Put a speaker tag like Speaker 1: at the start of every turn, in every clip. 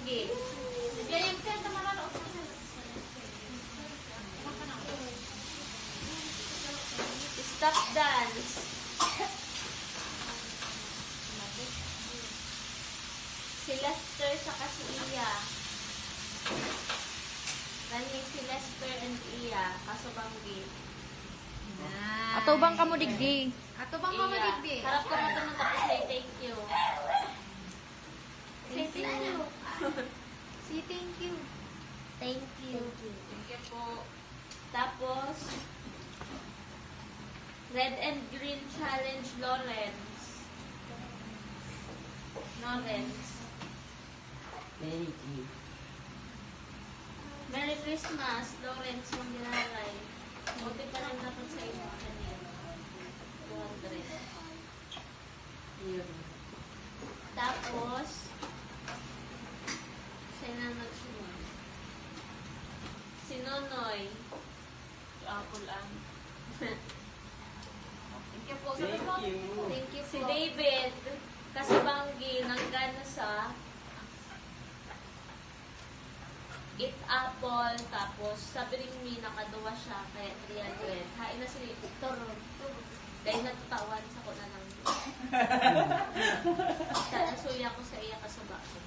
Speaker 1: Banggi. Stop dance. Si Lester sa si Iya. Running si Lester and Iya. Kaso Banggi.
Speaker 2: Ato bang kamo digdi?
Speaker 3: Ato bang mama digdi?
Speaker 1: Harap ka mo ito tapos say thank you. Say thank you.
Speaker 3: Say thank you.
Speaker 1: Thank you. Thank you po. Tapos, Red and Green Challenge Lawrence. Lawrence.
Speaker 4: Thank you.
Speaker 1: Merry Christmas, Lawrence Mandiralay. Buti pa rin dapat sa inyo kanina. 200.
Speaker 4: Yun.
Speaker 1: Tapos, sino nagsunod? Si Nonoy.
Speaker 4: Apple ang.
Speaker 3: Thank you po.
Speaker 4: Thank you.
Speaker 3: Thank you
Speaker 1: Si
Speaker 3: po.
Speaker 1: David Kasabanggi nanggana sa Eat Apple, tapos sabi rin mi nakaduwa siya kaya 300. Hain na si Toro. Dahil natutawan sa ko na lang. Nasuya ko sa iya kasabako.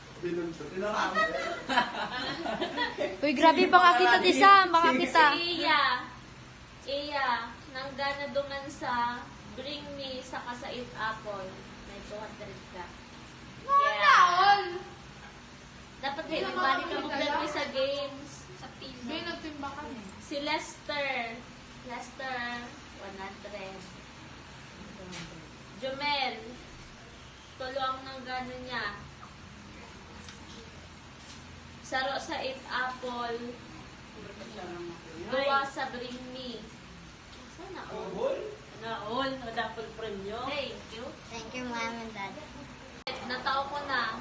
Speaker 2: Uy, grabe baka kita di Sam, baka kita.
Speaker 1: Si Iya, nanggana dungan sa Bring Me sa sa Eat Apple. May 200 ka.
Speaker 3: All.
Speaker 1: Dapat kayo nagbalik ka magdalwi sa games.
Speaker 3: Sa team. May nagtimba kami.
Speaker 1: Si Lester. Lester, 100. Jomel. Tulo ang nanggano niya. Saro sa Eat Apple. Duwa sa Bring Me. Sana all.
Speaker 4: Naon, nadapol premyo.
Speaker 1: Thank you.
Speaker 3: Thank you, mom and dad.
Speaker 1: Natao ko na.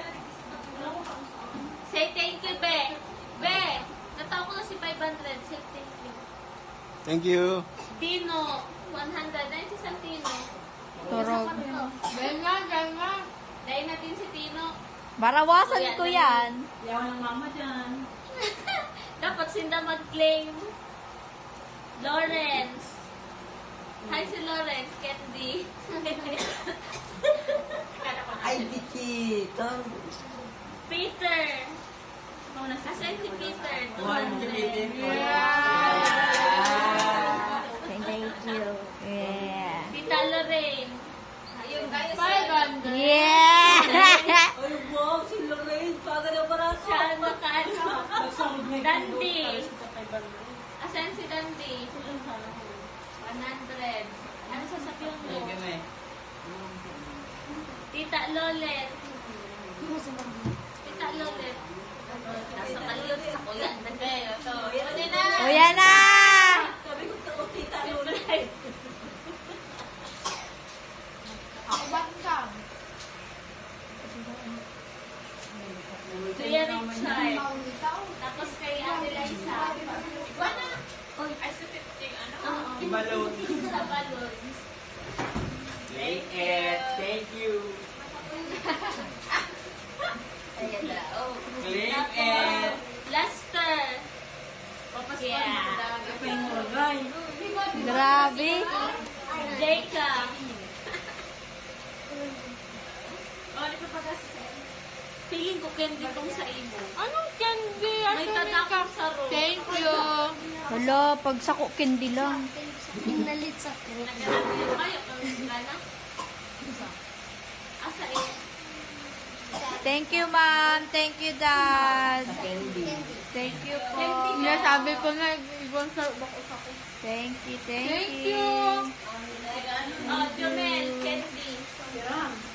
Speaker 1: Say thank you, Be. Be, natao ko na si 500. Say thank you.
Speaker 5: Thank you.
Speaker 1: Tino, 100. Dahil si Santino.
Speaker 2: Turog.
Speaker 3: Ganga, ganga.
Speaker 1: Dahil natin si Tino.
Speaker 2: Barawasan ko yan.
Speaker 4: Yawan ng mama dyan.
Speaker 1: Dapat sinda mag-claim. Lawrence. Hi si Lawrence, Candy.
Speaker 4: Ay, Diki.
Speaker 1: Peter. Asan si Peter?
Speaker 2: Thank you. Yeah.
Speaker 1: Tita Lorraine.
Speaker 3: Ayun, guys.
Speaker 1: 500.
Speaker 2: Yeah!
Speaker 4: Ay, wow, si Lorraine. Paga na para
Speaker 1: Siya nakaano. Dandy.
Speaker 4: Dandy.
Speaker 1: Asan si Dandy? 100. Ano sasabihin mo?
Speaker 4: Thank you, me.
Speaker 1: Tita Lolet. Tita Lolet. Nasa kalot sa kuya. Ito. Yan na.
Speaker 2: O yan na!
Speaker 4: Sabi ko, tako, tita,
Speaker 1: Surprise.
Speaker 3: Ako ba siyang?
Speaker 1: Kuya Richard. Tapos kay Ate Liza.
Speaker 3: Ay, sa 50, ano?
Speaker 1: Oo.
Speaker 4: Balloon.
Speaker 1: Sa balloons.
Speaker 4: Thank it. Thank you.
Speaker 1: Ayan na. Oh.
Speaker 4: Click
Speaker 1: Tapos,
Speaker 4: it.
Speaker 1: Lester. Yeah.
Speaker 4: Kapay mo, guys.
Speaker 2: Grabe.
Speaker 1: Jacob. Oh, di pa pagas. Feeling ko candy tong sa imo.
Speaker 3: Anong candy?
Speaker 1: May tadakot sa room.
Speaker 3: Thank you.
Speaker 2: Hala, pag sako candy lang.
Speaker 3: Pinalit sa
Speaker 1: Naghanap yun kayo. Kung gana. Asa eh.
Speaker 2: Thank you, ma'am. Thank you, dad.
Speaker 4: Candy.
Speaker 2: Thank you po.
Speaker 3: Hindi, sabi ko na, ibon sa bako sa ko.
Speaker 2: Thank you, thank
Speaker 3: Thank
Speaker 2: you.
Speaker 3: you.
Speaker 1: Oh, Jomel, candy.